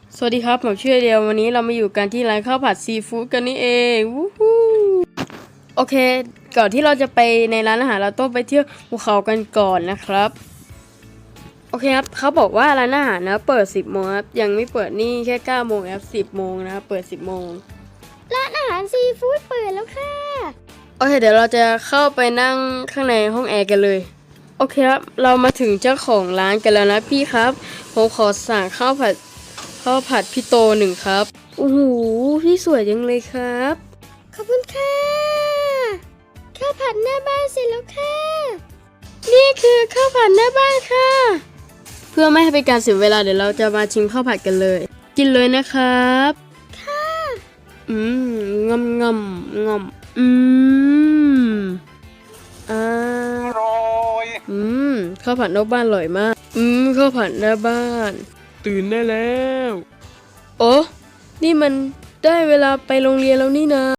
สวัสดีครับผมชื่อเดียววันนี้เรามาอยู่กันที่ร้านข้าวผัดซีฟู้ดกันนี่เองวู้ฮู้โอเคก่อนที่เราจะไปในร้านอาหารเราต้องไปเที่ยวภูเขากันก่อนนะครับโอเคครับเขาบอกว่าร้านอาหารนะเปิด10 โมงครับยังไม่เปิดนี่แค่9 โมงครับ10 โมงนะครับเปิด10 โมงร้านอาหารซีฟู้ดเปิดแล้วค่ะโอเคเดี๋ยวเราจะเข้าไปนั่งข้างในห้องแอร์กันเลยโอเคครับเรามาถึงเจ้าของร้านกันแล้วนะพี่ครับผมขอสั่งข้าวผัดพี่โต1ครับโอ้โหพี่สวยจังเลยครับขอบคุณค่ะข้าวผัดหน้าบ้านเสร็จแล้วค่ะนี่คือข้าวผัดหน้าบ้านค่ะ เพื่อไม่ให้เป็นการเสียเวลาเดี๋ยวเราจะมาชิมข้าวผัดกันเลย กินเลยนะครับค่ะงำอ่าข้าวผัดนอกบ้านอร่อยมากข้าวผัดหน้าบ้านตื่นได้แล้วโอ้นี่มันได้เวลาไปโรงเรียนแล้วนี่นะ